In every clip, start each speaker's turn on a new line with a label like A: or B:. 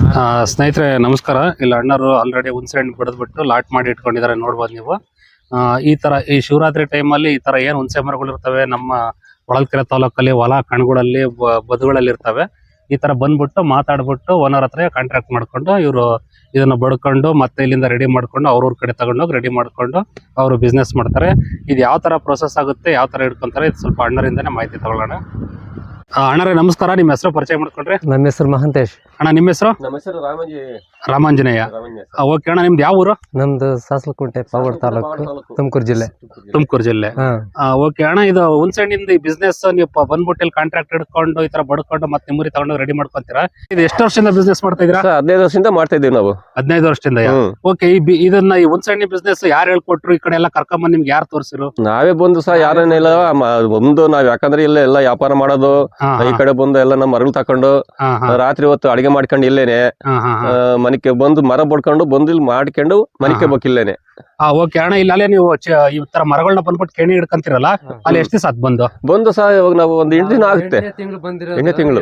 A: ಸ್ನೇಹಿತರೆ ನಮಸ್ಕಾರ. ಇಲ್ಲಿ ಅಣ್ಣರು ಆಲ್ರೆಡಿ ಹುಣಸೆ ಹಣ್ಣು ಬಿಡದ್ಬಿಟ್ಟು ಲಾಟ್ ಮಾಡಿ ಇಟ್ಕೊಂಡಿದ್ದಾರೆ, ನೋಡ್ಬೋದು ನೀವು. ಈ ತರ ಈ ಶಿವರಾತ್ರಿ ಟೈಮಲ್ಲಿ ಈ ತರ ಏನ್ ಹುಣಸೆ ಮರಗಳು ಇರ್ತವೆ ನಮ್ಮ ಹೊಳಲ್ಕೆರೆ ತಾಲೂಕಲ್ಲಿ ಹೊಲ ಕಣ್ಗಳಲ್ಲಿ ಬದುಗಳಲ್ಲಿ ಇರ್ತವೆ. ಈ ತರ ಬಂದ್ಬಿಟ್ಟು ಮಾತಾಡ್ಬಿಟ್ಟು ಓನರ್ ಹತ್ರ ಕಾಂಟ್ರಾಕ್ಟ್ ಮಾಡ್ಕೊಂಡು ಇವರು ಇದನ್ನ ಬಡ್ಕೊಂಡು ಮತ್ತೆ ಇಲ್ಲಿಂದ ರೆಡಿ ಮಾಡ್ಕೊಂಡು ಅವ್ರವ್ರ ಕಡೆ ತಗೊಂಡೋಗಿ ರೆಡಿ ಮಾಡ್ಕೊಂಡು ಅವರು ಬಿಸ್ನೆಸ್ ಮಾಡ್ತಾರೆ. ಇದು ಯಾವ ತರ ಪ್ರೊಸೆಸ್ ಆಗುತ್ತೆ, ಯಾವ ತರ ಇಟ್ಕೊಂತಾರೆ, ಇದು ಸ್ವಲ್ಪ ಅಣ್ಣರಿಂದಾನೆ ಮಾಹಿತಿ ತಗೊಳ್ಳೋಣ. ಅಣ್ಣರೇ ನಮಸ್ಕಾರ, ನಿಮ್ಮ ಹೆಸರು ಪರಿಚಯ ಮಾಡ್ಕೊಂಡ್ರೆ?
B: ನಮ್ಮ ಹೆಸರು ಮಹಂತೇಶ್.
A: ಅಣ್ಣ ನಿಮ್ಮ ಹೆಸರು?
C: ನಮ್ಮ ಹೆಸರು
A: ರಾಮಾಂಜನೇಯ. ಓಕೆ ಅಣ್ಣ, ನಿಮ್ದು ಯಾವ ಊರು?
B: ನಮ್ದು ಸಾಸಲಕುಂಟೆ, ಪಾವಗಡ ತಾಲೂಕು, ತುಮಕೂರು ಜಿಲ್ಲೆ.
A: ತುಮಕೂರು ಜಿಲ್ಲೆ. ಓಕೆ ಅಣ್ಣ, ಇದು ಹುಣಸೆ ಹಣ್ಣಿಂದ ಈ ಬಿಸ್ನೆಸ್ ನೀವು ಬಂದ್ಬಿಟ್ಟು ಇಲ್ಲಿ ಕಾಂಟ್ರಾಕ್ಟ್ ಹಿಡ್ಕೊಂಡು ಈ ತರ ಬಡ್ಕೊಂಡು ಮತ್ತೆ ನಿಮ್ಮೂರಿ ತಗೊಂಡು ರೆಡಿ ಮಾಡ್ಕೊಂತೀರಾ? ಇದು ಎಷ್ಟು ವರ್ಷದಿಂದ ಬಿಸ್ನೆಸ್ ಮಾಡ್ತಾ ಇದೀರಾ?
C: 15 ವರ್ಷದಿಂದ ಮಾಡ್ತಾ ಇದೀವಿ ನಾವು.
A: 15 ವರ್ಷದಿಂದ. ಓಕೆ, ಇದನ್ನ ಈ ಹುಣಸೆ ಹಣ್ಣಿ ಬಿಸ್ನೆಸ್ ಯಾರು ಹೇಳ್ಕೊಟ್ರು? ಈ ಕಡೆ ಎಲ್ಲ ಕರ್ಕೊಂಬಂದ್ ನಿಮ್ಗೆ ಯಾರು ತೋರಿಸಿರು?
C: ನಾವೇ ಬಂದು ಸಹ ಯಾರೇನಿಲ್ಲ ಒಂದು ನಾವ್ ಯಾಕಂದ್ರೆ ಇಲ್ಲೇ ಎಲ್ಲ ವ್ಯಾಪಾರ ಮಾಡೋದು, ಈ ಕಡೆ ಬಂದು ಎಲ್ಲ ನಮ್ಮ ಮರಳು ತಕೊಂಡು ರಾತ್ರಿ ಹೊತ್ತು ಅಡಿಗೆ ಮಾಡ್ಕೊಂಡು ಇಲ್ಲೇನೆ ಮನಿಕೆ ಬಂದು ಮರ ಬಡ್ಕೊಂಡು ಬಂದು ಇಲ್ಲಿ ಮಾಡ್ಕೊಂಡು ಮನಿಕೆ ಬೇಕಿಲ್ಲೇನೆ.
A: ಓಕೆ ಅಣ್ಣ, ಇಲ್ಲ ನೀವು ಈ ತರ ಮರಗಳನ್ನ ಬಂದ್ಬಿಟ್ಟು ಕೇಣಿ ಹಿಡ್ಕೊಂತಿರಲ್ಲ, ಅಲ್ಲಿ ಎಷ್ಟು ದಿವಸ ಅದ್ ಬಂದು
C: ಸಹ ಇವಾಗ ನಾವು ಒಂದು 8 ದಿನ ಆಗುತ್ತೆ. 8ನೇ ತಿಂಗಳು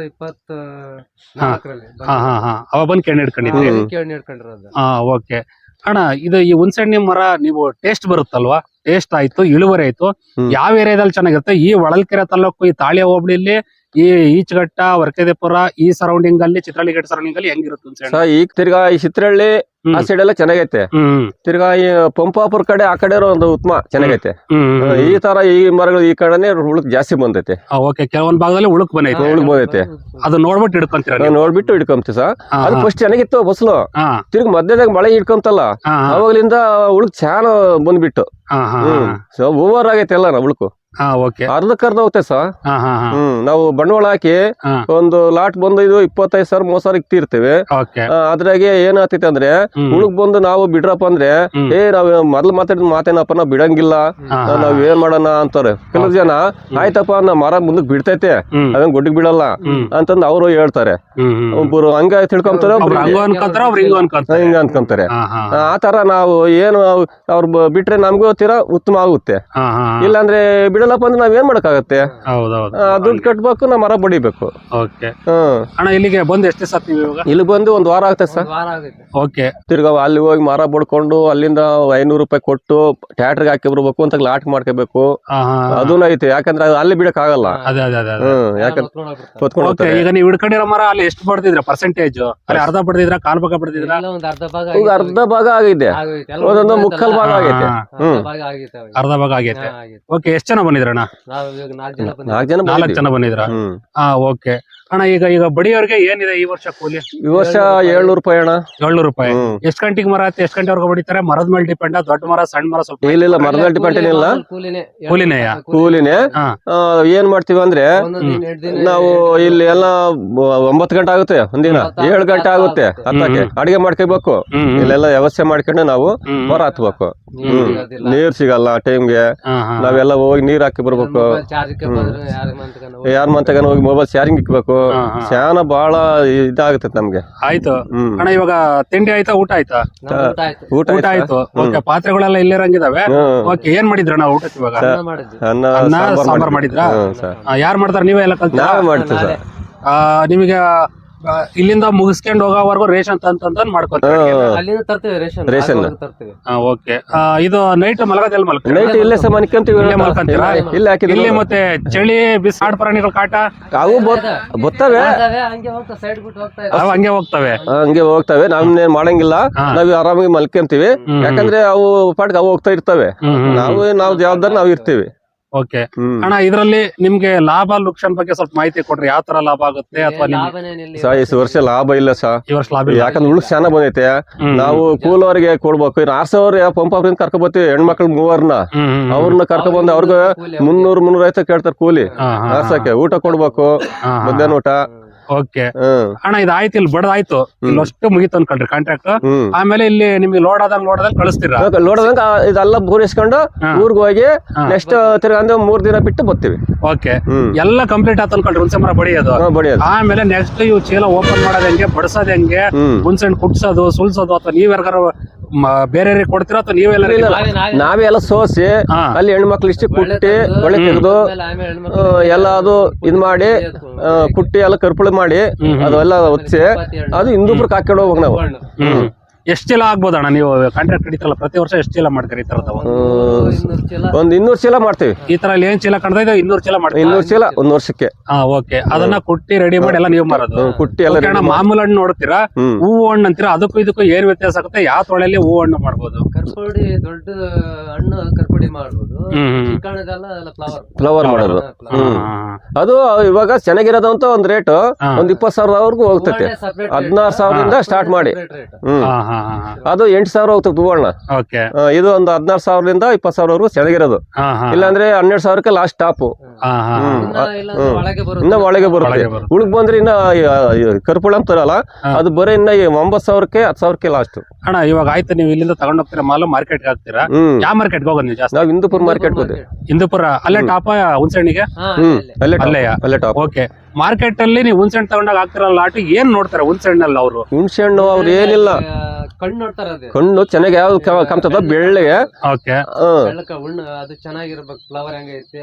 B: 2024
A: ಅವಾಗ ಬಂದು ಕೇಣಿ ಹಿಡ್ಕೊಂಡಿದ್ದೀವಿ. ಓಕೆ ಅಣ್ಣ, ಇದು ಈ ಹುಣಸೆ ಹಣ್ಣಿನ ಮರ ನೀವು ಟೇಸ್ಟ್ ಬರುತ್ತಲ್ವಾ? ಟೇಸ್ಟ್ ಆಯ್ತು, ಇಳುವರಿ ಆಯ್ತು. ಯಾವ ಏರಿಯಾದಲ್ಲಿ ಚೆನ್ನಾಗಿರುತ್ತೆ? ಈ ಹೊಳಲ್ಕೆರೆ ತಾಲೂಕು, ಈ ತಾಳಿಯ ಹೋಬಳಿಲಿ, ಈ ಈಚಘಟ್ಟ, ವರ್ಕೆದೇಪುರ, ಈ ಸರೌಂಡಿಂಗ್ ಅಲ್ಲಿ, ಚಿತ್ರಹಳ್ಳಿ ಸರೌಂಡಿಂಗ್ ಅಲ್ಲಿ ಹೆಂಗಿರುತ್ತೆ ಹುಣಸೆ?
C: ಈಗ ತಿರ್ಗಾ ಈ ಚಿತ್ರಹಳ್ಳಿ ಆ ಸೈಡ್ ಎಲ್ಲ ಚೆನ್ನಾಗೈತೆ. ತಿರ್ಗಾ ಈ ಪಂಪಾಪುರ ಕಡೆ ಆ ಕಡೆ ಒಂದು ಉತ್ತಮ ಚೆನ್ನಾಗೈತೆ. ಈ ತರ ಈ ಮರಗಳು ಈ ಕಡೆನೆ ಉಳುಕ್ ಜಾಸ್ತಿ ಬಂದೈತೆ.
A: ಓಕೆ, ಕೆಲವೊಂದ್ ಭಾಗದಲ್ಲಿ ಉಳುಕ್
C: ಬಂದೈತೆ.
A: ಅದು ನೋಡ್ಬಿಟ್ಟು ಹಿಡ್ಕೊಂತೀರ?
C: ನೋಡ್ಬಿಟ್ಟು ಹಿಡ್ಕೊಂತೀವಿ ಸರ್. ಅದು ಫಸ್ಟ್ ಚೆನ್ನಾಗಿತ್ತು ಫಸಲು. ತಿರ್ಗಿ ಮಧ್ಯದಾಗ ಮಳೆ ಹಿಡ್ಕೊಂತಲ್ಲ, ಅವಾಗ್ಲಿಂದ ಉಳುಕ್ ಚೆನ್ನಾಗ್ ಬಂದ್ಬಿಟ್ಟು ಓವರ್ ಆಗೈತೆ ಎಲ್ಲ ನಾ ಉಳುಕು. ಅರ್ಧಕ್ಕರ್ಧ ಹೋಗುತ್ತೆ ಸರ್. ನಾವು ಬಂಡವಾಳ ಹಾಕಿ ಒಂದು ಲಾಟ್ ಬಂದು ಇದು 25,000 30,000 ಇಕ್ತಿರ್ತೇವೆ. ಅದ್ರಾಗೆ ಏನಾಗ್ತೈತೆ ಅಂದ್ರೆ ಉಳುಕ್ ಬಂದು ನಾವು ಬಿಡ್ರಪ್ಪ ಅಂದ್ರೆ ನಾವ್ ಮೊದ್ಲು ಮಾತಾಡಿದ ಮಾತೇನಪ್ಪ ನಾವ್ ಬಿಡಂಗಿಲ್ಲ, ನಾವ್ ಏನ್ ಮಾಡೋಣ ಅಂತಾರೆ ಕೆಲವು ಜನ. ಆಯ್ತಪ್ಪ ನಾ ಮರ ಮುಂದಕ್ ಬಿಡ್ತೈತೆ, ಅವೇನ್ ಗೊಡ್ಡಿಗೆ ಬಿಡಲ್ಲ ಅಂತಂದ್ ಅವ್ರು ಹೇಳ್ತಾರೆ. ಒಬ್ಬರು ಹಂಗ ತಿಳ್ಕೊಂತಾರೆ, ಹಿಂಗ ಅನ್ಕೊಂತಾರೆ. ಆ ತರ ನಾವು ಏನು ಅವ್ರು ಬಿಟ್ರೆ ನಮ್ಗೂ ತೀರಾ ಉತ್ತಮ ಆಗುತ್ತೆ. ಇಲ್ಲಾಂದ್ರೆ ಬಿಡಲ್ಲಪ್ಪ ಅಂದ್ರೆ ನಾವ್ ಏನ್ ಮಾಡಕ್ಕಾಗತ್ತೆ? ದುಡ್ಡು ಕಟ್ಬೇಕು, ನಾ ಮರ ಬಡಿಬೇಕು.
A: ಇಲ್ಲಿಗೆ ಬಂದು ಎಷ್ಟು ದಿವಸ?
C: ಇಲ್ಲಿ ಬಂದು 1 ವಾರ ಆಗ್ತದೆ ಸರ್.
A: ಓಕೆ,
C: ತಿರ್ಗಾ ಅಲ್ಲಿ ಹೋಗಿ ಮರ ಬಡ್ಕೊಂಡು ಅಲ್ಲಿಂದ 500 ರೂಪಾಯಿ ಕೊಟ್ಟು ಟ್ಯಾಕ್ಟರ್ಗೆ ಹಾಕಿ ಬರ್ಬೇಕು ಅಂತ ಲಾಟ್ ಮಾಡ್ಕೋಬೇಕು. ಅದೂ ಐತೆ, ಯಾಕಂದ್ರೆ ಅಲ್ಲಿ ಬಿಡಕ್ ಆಗಲ್ಲ.
A: ಯಾಕಂದ್ರೆ ಈಗ ನೀವು ಹಿಡ್ಕೊಂಡಿರೋ ಮರ ಅಲ್ಲಿ ಎಷ್ಟು ಬಡ್ದಿದ್ರ? ಪರ್ಸೆಂಟೇಜ್ ಅಲ್ಲಿ ಅರ್ಧ ಬಡ್ದಿದ್ರ, ಕಾಲ್ ಭಾಗ ಬಡ್ದಿದ್ರ?
C: ಅರ್ಧ ಭಾಗ ಆಗಿದೆ, ಒಂದೊಂದು ಮುಕ್ಕಾಲ್ ಭಾಗ ಆಗೈತೆ.
A: ಅರ್ಧ ಭಾಗ ಆಗೈತೆ. ಓಕೆ, ಎಷ್ಟು ಜನ ಬಂದಿದ್ರಣ್ಣ? 4 ಜನ ಬಂದಿದ್ರ? ಓಕೆ ಅಣ್ಣ, ಈಗ ಬಡಿಯವ್ರಿಗೆ ಏನಿದೆ ಈ ವರ್ಷ ಕೂಲಿ?
C: ಈ ವರ್ಷ 700 ರೂಪಾಯಿ ಅಣ್ಣ.
A: 700 ರೂಪಾಯಿ. ಎಷ್ಟು ಗಂಟೆಗೆ ಮರ ಆಯ್ತು? ಎಷ್ಟು ಗಂಟೆವರೆಗೂ ಬಡಿತಾರೆ? ಮರದ ಮೇಲೆ ಡಿಪೆಂಡ್? ದೊಡ್ಡ ಮರ ಸಣ್ಣ ಮರ? ಸ್ವಲ್ಪ
C: ಇಲ್ಲ, ಮರದ ಮೇಲೆ ಡಿಪೆಂಡ್ ಏನಿಲ್ಲ, ಕೂಲಿನೇ. ಏನ್ ಮಾಡ್ತೀವಿ ಅಂದ್ರೆ ನಾವು ಇಲ್ಲಿ ಎಲ್ಲ 9 ಗಂಟೆ ಆಗುತ್ತೆ, ಒಂದಿನ 7 ಗಂಟೆ ಆಗುತ್ತೆ ಹತ್ತಕ್ಕೆ. ಅಡಿಗೆ ಮಾಡ್ಕೋಬೇಕು, ಇಲ್ಲೆಲ್ಲ ವ್ಯವಸ್ಥೆ ಮಾಡ್ಕೊಂಡು ನಾವು ಮರ ಹತ್ಬೇಕು. ನೀರ್ ಸಿಗಲ್ಲ ಟೈಮ್ಗೆ, ನಾವೆಲ್ಲ ಹೋಗಿ ನೀರ್ ಹಾಕಿ ಬರ್ಬೇಕು. ಯಾರ ಮಂತಗನ ಹೋಗಿ ಮೊಬೈಲ್ ಚಾರ್ಜಿಂಗ್ ಇಕ್ಬೇಕು. ಶಾನ ಬಹಳ ಇದಾಗುತ್ತೆ ನಮ್ಗೆ.
A: ಆಯ್ತು ಅಣ್ಣ, ಇವಾಗ ತಿಂಡಿ ಆಯ್ತಾ? ಊಟ ಆಯ್ತಾ? ಊಟ ಆಯ್ತು. ಓಕೆ, ಪಾತ್ರೆಗಳೆಲ್ಲ ಇಲ್ಲಿರಂಗಿದಾವೆ. ಓಕೆ, ಏನ್ ಮಾಡಿದ್ರಣ್ಣ ಊಟಕ್ಕೆ? ಇವಾಗ ಅನ್ನ ಸಾಂಬಾರ್ ಮಾಡಿದ್ರ? ಯಾರು ಮಾಡ್ತಾರ? ನೀವೇ ಎಲ್ಲ ಕಲ್ತ?
C: ಮಾಡ್ತೀವಿ ಸರ್.
A: ನಿಮಗೆ ಇಲ್ಲಿಂದ ಮುಗಿಸ್ಕೊಂಡು ಹೋಗೋವರೆಗೂ ರೇಷನ್ ತಂತ ಮಾಡ್ಕೊತೀವಿ. ಓಕೆ, ಇದು ನೈಟ್ ಮಲಗೋದೆಲ್ಲ
C: ನೈಟ್ ಇಲ್ಲೇ ಸಹ ಮಲ್ಕೊಂತೀವಿ.
A: ಇಲ್ಲಿ ಮತ್ತೆ ಚಳಿ ಬಿಸಿ ಆಡ್ ಪ್ರಾಣಿಗಳ ಕಾಟ
C: ಅವು ಬರ್ತವೆ,
A: ಹಂಗೆ
C: ಹೋಗ್ತವೆ. ನಮ್ನೇನ್ ಮಾಡಂಗಿಲ್ಲ, ನಾವ್ ಆರಾಮಾಗಿ ಮಲ್ಕೊಂತೀವಿ. ಯಾಕಂದ್ರೆ ಅವು ಪಾಟ್ಗೆ ಅವು ಹೋಗ್ತಾ ಇರ್ತವೆ, ನಾವು ಜವಾಬ್ದಾರಿ ನಾವ್ ಇರ್ತೀವಿ.
A: ಓಕೆ ಅಣ್ಣ, ಇದ್ರಲ್ಲಿ ನಿಮ್ಗೆ ಲಾಭ ಲುಕ್ಷನ್ ಬಗ್ಗೆ ಸ್ವಲ್ಪ ಮಾಹಿತಿ ಕೊಡ್ರಿ. ಯಾವ ತರ ಲಾಭ ಆಗುತ್ತೆ? ಅಥವಾ
C: ಈ ವರ್ಷ ಲಾಭ ಇಲ್ಲ ಸರ್.
A: ಈ ವರ್ಷ ಲಾಭ
C: ಯಾಕಂದ್ರೆ ಉಳ್ಕ್ ಚೆನ್ನಾಗ್ ಬಂದೈತೆ. ನಾವು ಕೂಲವ್ರಿಗೆ ಕೊಡ್ಬೇಕು. 6,000 ಪಂಪ್ ಕರ್ಕೊ ಬರ್ತೀವಿ, ಹೆಣ್ಮಕ್ಳು 3 ಅವ್ರನ್ನ ಕರ್ಕೊ ಬಂದು ಅವ್ರಿಗೆ 300-350 ಕೇಳ್ತಾರೆ ಕೂಲಿ ಆರ್ಸಕ್ಕೆ. ಊಟ ಕೊಡ್ಬೇಕು, ಮಧ್ಯಾಹ್ನ ಊಟ.
A: ಓಕೆ ಅಣ್ಣ, ಇದಾಯ್ತು, ಇಲ್ಲಿ ಬಡದಾಯ್ತು, ಇಲ್ಲಿ ಅಷ್ಟು ಮುಗಿತು ಅನ್ಕೊಂಡ್ರಿ ಕಾಂಟ್ರಾಕ್ಟ್. ಆಮೇಲೆ ಇಲ್ಲಿ ನಿಮ್ಗೆ ಲೋಡ್ ಆದಂಗ್ ಕಳಿಸ್ತೀರಾ?
C: ಲೋಡ್ ಇದೆಲ್ಲ ಪೂರೈಸ್ಕೊಂಡು ಊರ್ಗ್ ಹೋಗಿ ನೆಕ್ಸ್ಟ್ ತಿರ್ಗಾ 3 ದಿನ ಬಿಟ್ಟು ಬರ್ತೀವಿ.
A: ಓಕೆ, ಎಲ್ಲ ಕಂಪ್ಲೀಟ್ ಆತ ಅನ್ಕೊಂಡ್ರಿ ಹುಣಸೆ ಮರ ಬಡಿಯೋದು. ಆಮೇಲೆ ನೆಕ್ಸ್ಟ್ ಇವು ಚೀಲ ಓಪನ್ ಮಾಡೋದ್ ಹೆಂಗೆ, ಬಡ್ಸೋದ್ ಹೆಂಗೆ, ಹುಣಸೆ ಹಣ್ಣು ಕುಟ್ಸೋದು, ಸುಲ್ಸೋದು, ಅಥವಾ ನೀವ್ ಯಾರು ಬೇರೆ ಕೊಡ್ತೀರಾ ಅಥವಾ ನೀವೆಲ್ಲ ready
C: ನಾವೇ ಎಲ್ಲ ಸೋಸಿ
A: ಹಾ.
C: ಅಲ್ಲಿ ಹೆಣ್ಮಕ್ಳು ಇಷ್ಟು ಕುಟ್ಟಿ ಒಳ್ಳೆ ತೆಗೆದು ಎಲ್ಲ ಅದು ಇದ್ ಮಾಡಿ ಕುಟ್ಟಿ ಎಲ್ಲ ಕರ್ಪುಳಿ ಮಾಡಿ ಅದೆಲ್ಲ ಒತ್ಸಿ ಅದು ಹಿಂದೂಪುರಕ್ಕೆ ಹಾಕೊಂಡು ಹೋಗ್ಬೇಕು ನಾವು.
A: ಎಷ್ಟ್ ಚೀಲ ಆಗ್ಬೋದಣ್ಣ ನೀವು ಕಾಂಟ್ರಾಕ್ಟ್ ಹಿಡಿತಲ್ಲ ಪ್ರತಿ ವರ್ಷ ಎಷ್ಟ್ ಚೀಲ ಮಾಡ್ತೀರಿ ಈ ತರದ
C: ಒಂದ್ 200 ಚೀಲ ಮಾಡ್ತೀವಿ.
A: ಈ ತರ ಅಲ್ಲಿ ಏನ್ ಚೀಲ ಕಾಣ್ತಾ ಇದೆ 200 ಚೀಲ ಮಾಡ್ತೀವಿ
C: 200 ಚೀಲ ಒಂದ್ ವರ್ಷಕ್ಕೆ.
A: ಓಕೆ ಅದನ್ನ ಕುಟ್ಟಿ ರೆಡಿ ಮಾಡಿ ಎಲ್ಲ ನೀವು ಮಾರೋದು.
C: ಕುಟ್ಟಿ ಎಲ್ಲ
A: Okay ಅಣ್ಣ, ಮಾಮೂಲು ಹಣ್ಣು ನೋಡ್ತೀರಾ, ಹೂವು ಹಣ್ಣು ಅಂತೀರಾ, ಅದಕ್ಕೂ ಇದಕ್ಕೂ ಏನ್ ವ್ಯತ್ಯಾಸ ಆಗುತ್ತೆ? ಯಾವ ತೊಳೆಯಲ್ಲಿ ಹೂವು ಹಣ್ಣು ಮಾಡ್ಬೋದು?
B: ಕರ್ಪುಡಿ ದೊಡ್ಡ ಹಣ್ಣು ಕರ್ಪುಡಿ ಮಾಡ್ಬೋದು,
C: ಫ್ಲವರ್ ಮಾಡೋದು. ಅದು ಇವಾಗ ಚೆನ್ನಾಗಿರೋದಂತ ಒಂದ್ ರೇಟ್ ಒಂದ್ 20,000 ಹೋಗ್ತೈತೆ. 16,000 ಸ್ಟಾರ್ಟ್ ಮಾಡಿ ಅದು 8,000 ಹೋಗ್ತದೆ ಹೂವಣ್ಣ. ಇದು ಒಂದು 16,000 20,000 ಚೆನ್ನಾಗಿರೋದು. ಇಲ್ಲಾಂದ್ರೆ 12,000 ಲಾಸ್ಟ್ ಟಾಪ್. ಇನ್ನ ಒಳಗೆ ಬರುತ್ತೆ. ಉಳಗ್ ಬಂದ್ರೆ ಇನ್ನ ಕರ್ಪುಳ ಅಂತಾರಲ್ಲ ಅದು ಬರೀ ಇನ್ನ 9,000 10,000 ಲಾಸ್ಟ್.
A: ಅಣ್ಣ ಇವಾಗ ಆಯ್ತು, ನೀವು ಇಲ್ಲಿಂದ ತಗೊಂಡ್ ಹೋಗ್ತೀರಾ ಮಾಲು, ಮಾರ್ಕೆಟ್ ಹಾಕ್ತೀರಾ? ಯಾವ ಮಾರ್ಕೆಟ್ ಹೋಗೋದು ನೀವು ಜಾಸ್ತಿ?
C: ನಾವು ಹಿಂದೂಪುರ ಮಾರ್ಕೆಟ್ ಹೋದೆ.
A: ಹಿಂದೂಪುರ ಅಲ್ಲೇ ಟಾಪ ಹುಣಸೆಹಣ್ಣಿಗೆ? ಅಲ್ಲೇ ಓಕೆ. ಮಾರ್ಕೆಟ್ ಅಲ್ಲಿ ನೀವು ಹುಣಸೆಹಣ್ಣು ತಗೊಂಡಾಗ ಹಾಕ್ತಿರಲ್ಲ ಲಾಟ್, ಏನ್ ನೋಡ್ತಾರೆ ಹುಣಸೆಹಣ್ಣಲ್ಲಿ ಅವರು?
C: ಹುಣಸೆಹಣ್ಣು ಅವ್ರು ಏನಿಲ್ಲ, ಕಣ್ಣು ಚೆನ್ನಾಗಿ ಯಾವ್ದು ಕಾಣ್ತದ ಬೆಳ್ಳಗೆ.
A: ಓಕೆ,
B: ಅದು ಚೆನ್ನಾಗಿರ್ಬೇಕು, ಫ್ಲವರ್ ಹೆಂಗೈತೆ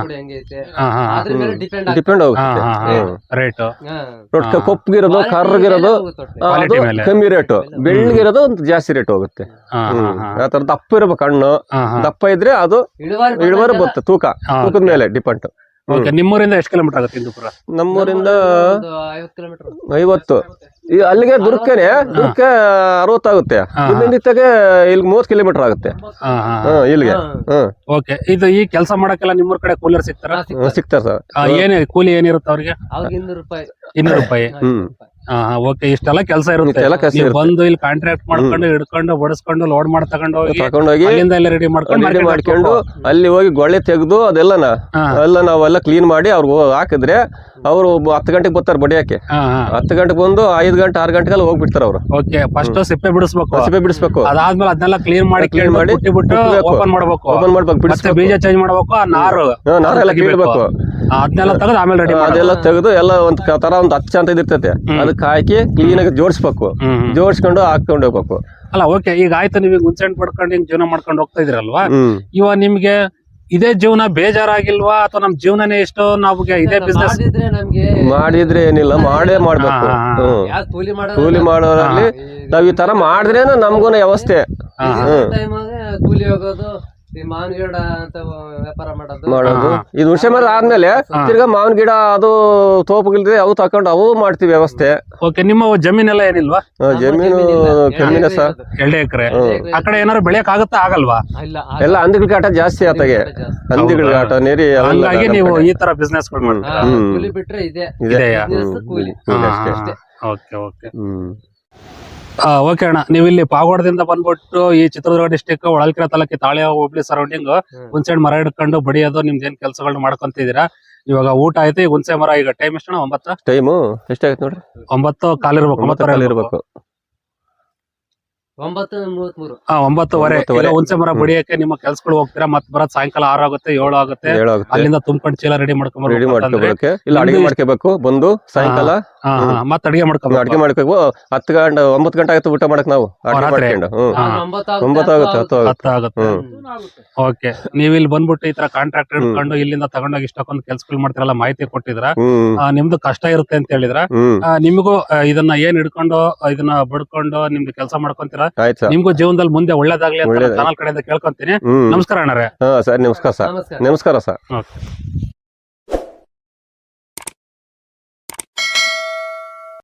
C: ಡಿಪೆಂಡ್ ಆಗುತ್ತೆ
A: ರೇಟ್.
C: ಕೊಪ್ಪಗಿರೋದು ಕರ್ರಗಿರೋದು ಕಮ್ಮಿ ರೇಟ್, ಬೆಳ್ಳಗಿರೋದು ಒಂದು ಜಾಸ್ತಿ ರೇಟ್ ಹೋಗುತ್ತೆ. ಆತರ ದಪ್ಪ ಇರ್ಬೇಕು ಹಣ್ಣು, ದಪ್ಪ ಇದ್ರೆ ಅದು ಇಳುವರಿ ಬರುತ್ತೆ. ತೂಕದ ಮೇಲೆ ಡಿಪೆಂಡ್.
A: ನಿಮ್ಮೂರಿಂದ ಎಷ್ಟು ಕಿಲೋಮೀಟರ್ ಆಗುತ್ತೆ ಹಿಂದೂಪುರ?
C: ನಮ್ಮೂರಿಂದ 50. ಅಲ್ಲಿಗೆ ದುರ್ಗಕ್ಕೆ 60 ಆಗುತ್ತೆ. ಇಲ್ಲಿಂದಕ್ಕೆ ಇಲ್ಲಿ 30 ಕಿಲೋಮೀಟರ್ ಆಗುತ್ತೆ ಇಲ್ಲಿಗೆ.
A: ಓಕೆ, ಇದು ಈ ಕೆಲಸ ಮಾಡಕ್ಕೆಲ್ಲ ನಿಮ್ಮೂರ್ ಕಡೆ ಕೂಲರ್ ಸಿಗ್ತಾರ?
C: ಸಿಗ್ತಾರೆ ಸರ್.
A: ಏನ್ ಕೂಲಿ ಏನಿರುತ್ತೆ ಅವ್ರಿಗೆ? 200 ರೂಪಾಯಿ. ಓಕೆ, ಇಷ್ಟೆಲ್ಲ ಕೆಲಸ ಇರುತ್ತೆ. ನೀವು ಬಂದು ಇಲ್ಲಿ ಕಾಂಟ್ರಾಕ್ಟ್ ಮಾಡ್ಕೊಂಡು ಹಿಡ್ಕೊಂಡು ಬಡಿಸ್ಕೊಂಡು ಲೋಡ್ ಮಾಡಿ ತಗೊಂಡೋಗಿ ಅಲ್ಲಿಂದ ಎಲ್ಲ ರೆಡಿ
C: ಮಾಡ್ಕೊಂಡು ಅಲ್ಲಿ ಹೋಗಿ ಗೊಳ್ಳೆ ತೆಗೆದು ಅದೆಲ್ಲ ನಾವೆಲ್ಲ ಕ್ಲೀನ್ ಮಾಡಿ ಅವ್ರಿಗೆ ಹಾಕಿದ್ರೆ ಅವರು 10 ಗಂಟೆಗೆ ಬರ್ತಾರೆ ಬಡಿಯಕ್ಕೆ. 10 ಗಂಟೆಗೆ ಬಂದು 5 ಗಂಟೆ 6 ಗಂಟೆಗೆಲ್ಲ ಹೋಗ್ಬಿಡ್ತಾರೆ ಅವರು.
A: ಓಕೆ, ಫಸ್ಟ್ ಸಿಪ್ಪೆ ಬಿಡಿಸ್ಬೇಕು.
C: ಸಿಪ್ಪೆ ಬಿಡಿಸ್ಬೇಕು.
A: ಅದಾದ್ಮೇಲೆ ಅದನ್ನೆಲ್ಲ ಕ್ಲೀನ್ ಮಾಡಿ ಓಪನ್ ಮಾಡ್ಬೇಕು. ಬೀಜ ಚೇಂಜ್ ಮಾಡ್ಬೇಕು. ಆ ನಾರೆಲ್ಲ
C: ಕೀಳ್ಬೇಕು.
A: ಅದನ್ನೆಲ್ಲ ತೆಗೆದು ಆಮೇಲೆ ರೆಡಿ
C: ಅದೆಲ್ಲ ತೆಗೆದು ಎಲ್ಲ ಒಂದ್ ತರ ಒಂದು ಅಚ್ಚ ಅಂತ ಇರ್ತೈತೆ, ಅದಕ್ಕೆ ಹಾಕಿ ಕ್ಲೀನ್ ಆಗಿ ಜೋಡಿಸ್ಬೇಕು. ಜೋಡಿಸ್ಕೊಂಡು ಹಾಕೊಂಡು ಹೋಗ್ಬೇಕು.
A: ಅಲ್ಲ ಓಕೆ, ಈಗ ಆಯ್ತು, ನೀವು ಹುಣಸೆಹಣ್ಣು ಪಡ್ಕೊಂಡು ಹಿಂಗ್ ಜೀವನ ಮಾಡ್ಕೊಂಡು ಹೋಗ್ತಾ ಇದ್ರಲ್ವಾ, ಇವಾಗ ನಿಮ್ಗೆ ಇದೇ ಜೀವನ ಬೇಜಾರಾಗಿಲ್ವಾ? ಅಥವಾ ನಮ್ ಜೀವನನೇ ಎಷ್ಟೋ ನಮ್ಗೆ ಇದೇ ಬಿಸ್ನೆಸ್
C: ಮಾಡಿದ್ರೆ ಏನಿಲ್ಲ, ಮಾಡೇ ಮಾಡ್ಬೇಕು. ಕೂಲಿ ಮಾಡೋರಲ್ಲಿ ನಾವ್ ಈ ತರ ಮಾಡಿದ್ರೇನ ನಮ್ಗೂನ ವ್ಯವಸ್ಥೆ.
B: ಕೂಲಿ ಹೋಗೋದು, ಮಾವಿನ ಗಿಡ ಅಂತ ವ್ಯಾಪಾರ
C: ಮಾಡೋದು. ಇದು ಹುಣಸೆ ಮರ ಆದ್ಮೇಲೆ ತಿರ್ಗಾ ಮಾವಿನ ಗಿಡ ಅದು ತೋಪಗಿಲ್ದೆ ಅವು ತಕೊಂಡು ಅವು ಮಾಡ್ತೀವಿ ವ್ಯವಸ್ಥೆ.
A: ಓಕೆ, ನಿಮ್ಮ ಜಮೀನೆಲ್ಲ ಏನಿಲ್ವಾ?
C: ಜಮೀನು ಕಮ್ಮಿನ ಸರ್,
A: 2 ಎಕರೆ. ಆ ಕಡೆ ಏನಾದ್ರು ಬೆಳೆಯಕ್ ಆಗುತ್ತಾ? ಆಗಲ್ವಾ?
C: ಎಲ್ಲ ಹಂದಿಗಳ ಕಾಟ ಜಾಸ್ತಿ ಆತಾಗೆ, ಹಂದಿಗಳ ಕಾಟ ನೀರಿ.
A: ಹಂಗಾಗಿ ನೀವು ಈ ತರ ಬಿಸ್ನೆಸ್
B: ಬಿಟ್ರೆ
A: ಓಕೆ ಓಕೆ ಓಕೆ ಅಣ್ಣ, ನೀವು ಇಲ್ಲಿ ಪಾವಗಡದಿಂದ ಬಂದ್ಬಿಟ್ಟು ಈ ಚಿತ್ರದುರ್ಗ ಡಿಸ್ಟಿಕ್ ಹೊಳಲ್ಕೆರೆ ತಾಲೂಕಿ ತಾಳೆ ಹೋಬಳಿ ಸರೌಂಡಿಂಗ್ ಹುಣಸೆಹಣ್ಣು ಮರ ಹಿಡ್ಕೊಂಡು ಬಡಿಯೋದು ನಿಮ್ದು ಏನ್ ಕೆಲಸಗಳನ್ನ ಮಾಡ್ಕೊಂತಿದ್ದೀರಾ. ಇವಾಗ ಊಟ ಆಯ್ತು, ಈಗ ಹುಣಸೆ ಮರ ಈಗ ಟೈಮ್ ಎಷ್ಟಣ್ಣ? 9
C: ಟೈಮು ಎಷ್ಟಾಯ್ತು ನೋಡ್ರಿ?
A: 9:15 ಇರ್ಬೇಕು. 9:15
C: ಇರ್ಬೇಕು.
A: 9:33 ಹುಣಸೆ ಮರ ಬಡಿಯಕ್ಕೆ ನಿಮ್ಮ ಕೆಲ್ಸಗಳು ಹೋಗ್ತೀರಾ? ಮತ್ ಬರೋದ್ ಸಾಯಂಕಾಲ 6 ಆಗುತ್ತೆ 7 ಆಗುತ್ತೆ. ಅಲ್ಲಿಂದ ತುಂಬ್ಕೊಂಡು ಚೀಲ ರೆಡಿ ಮಾಡ್ಕೊಂಡ್ಬರ್ಬೇಕು.
C: ಇಲ್ಲ ಅಡಿಗೆ ಮಾಡ್ಕೋಬೇಕು ಬಂದು ಸಾಯಂಕಾಲ.
A: ಮತ್ ಅಡಿಗೆ ಮಾಡ್ಕೋಬೇಕು.
C: 10 ಗಂಟೆ 9 ಗಂಟೆ ಆಗುತ್ತೆ ಊಟ ಮಾಡಕ್ ನಾವು. 9 ಆಗುತ್ತೆ.
A: ಓಕೆ, ನೀವ್ ಇಲ್ಲಿ ಬಂದ್ಬಿಟ್ಟು ಈ ತರ ಕಾಂಟ್ರಾಕ್ಟ್ ಹಿಡ್ಕೊಂಡು ಇಲ್ಲಿಂದ ತಗೊಂಡೋಗಿ ಇಷ್ಟಕ್ಕೊಂದು ಕೆಲ್ಸಗಳು ಮಾಡ್ತಿರಲ್ಲ, ಮಾಹಿತಿ ಕೊಟ್ಟಿದ್ರ. ನಿಮ್ದು ಕಷ್ಟ ಇರುತ್ತೆ ಅಂತ ಹೇಳಿದ್ರ. ನಿಮಗೂ ಇದನ್ನ ಏನ್ ಹಿಡ್ಕೊಂಡು ಇದನ್ನ ಬಡ್ಕೊಂಡು ನಿಮ್ದು ಕೆಲಸ ಮಾಡ್ಕೊಂತೀರಾ. ನಿಮ್ಗೂ ಜೀವನದಲ್ಲಿ ಮುಂದೆ ಒಳ್ಳೇದಾಗ್ಲಿ ಅಂತ ಚಾನಲ್ ಕಡೆಯಿಂದ ಕೇಳ್ಕೊಂತೀನಿ. ನಮಸ್ಕಾರ ಅಣ್ಣರೇ.
C: ಸರ್ ನಮಸ್ಕಾರ ಸರ್. ನಮಸ್ಕಾರ ಸರ್.